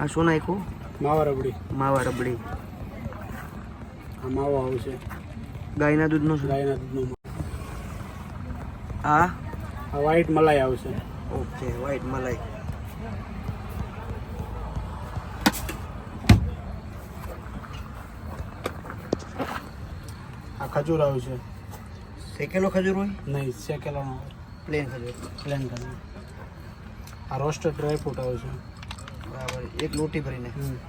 આ શું નાખ્યું? માવા રબડી. માવા રબડી. આ માવો આવશે ગાયના દૂધનો છે. ગાયના દૂધનો. આ વ્હાઈટ મલાઈ આવશે. ઓકે, વ્હાઈટ મલાઈ. આ ખજૂર આવશે. શેકેલો ખજૂર હોય? નહીં, શેકેલો ન હોય, પ્લેન ખજૂર. પ્લેન ખજૂર. આ રોસ્ટેડ ડ્રાયફ્રૂટ આવશે. બરાબર, એક લોટી ભરીને.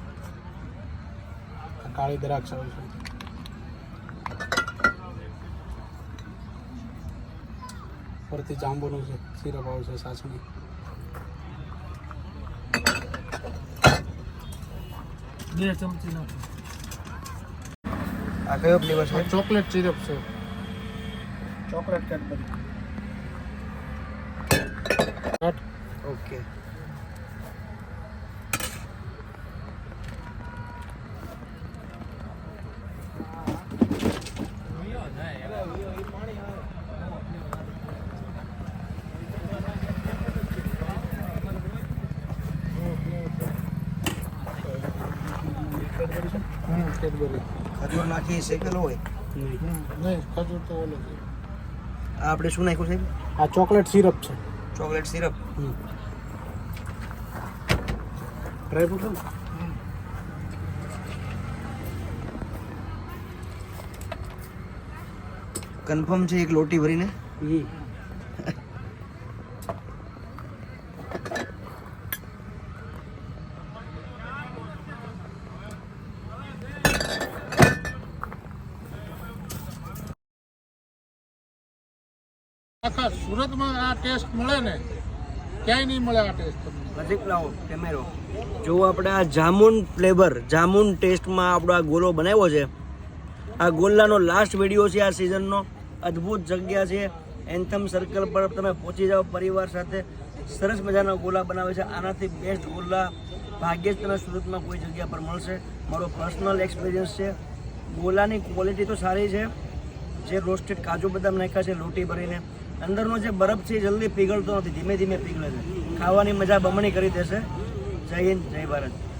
આ કાળી દ્રાક્ષ આવશે. પરથી જાંબુનું સિરપ આવશે, સાસણી. બે ચમચી નાખો. આ કયો ફ્લેવર છે? ચોકલેટ સિરપ છે. Chocolate Cadbury. ઓકે. કેડબરી. ખજૂર નાખી શેકેલો હોય? નહીં, ખજૂર તો ઓલો છે. આ આપણે શું નાખ્યું છે? આ ચોકલેટ સિરપ છે. Chocolate syrup. ડ્રાયફ્રૂટ છે. કન્ફર્મ છે એક લોટી ભરીને? આખા સુરતમાં આ ટેસ્ટ મળે ને, ક્યાંય નહીં મળે આ ટેસ્ટ. નજીક લાવો કેમેરો. જો આપણે આ જામુન ફ્લેવર, જામુન ટેસ્ટમાં આપણો આ ગોલો બનાવ્યો છે. આ ગોલાનો લાસ્ટ વિડીયો છે આ સિઝનનો. અદ્ભુત જગ્યા છે, એન્થમ સર્કલ પર તમે પહોંચી જાઓ પરિવાર સાથે. સરસ મજાના ગોલા બનાવે છે. આનાથી બેસ્ટ ગોલા ભાગ્યે જ તમે સુરતમાં કોઈ જગ્યા પર મળશે. મારો પર્સનલ એક્સપિરિયન્સ છે. ગોલાની ક્વોલિટી તો સારી છે. જે રોસ્ટેડ કાજુ બદામ નાખ્યા છે લોટી ભરીને, અંદરનો જે બરફ છે એ જલ્દી પીગળતો નથી, ધીમે ધીમે પીગળે છે. ખાવાની મજા બમણી કરી દેશે. જય હિન્દ, જય ભારત.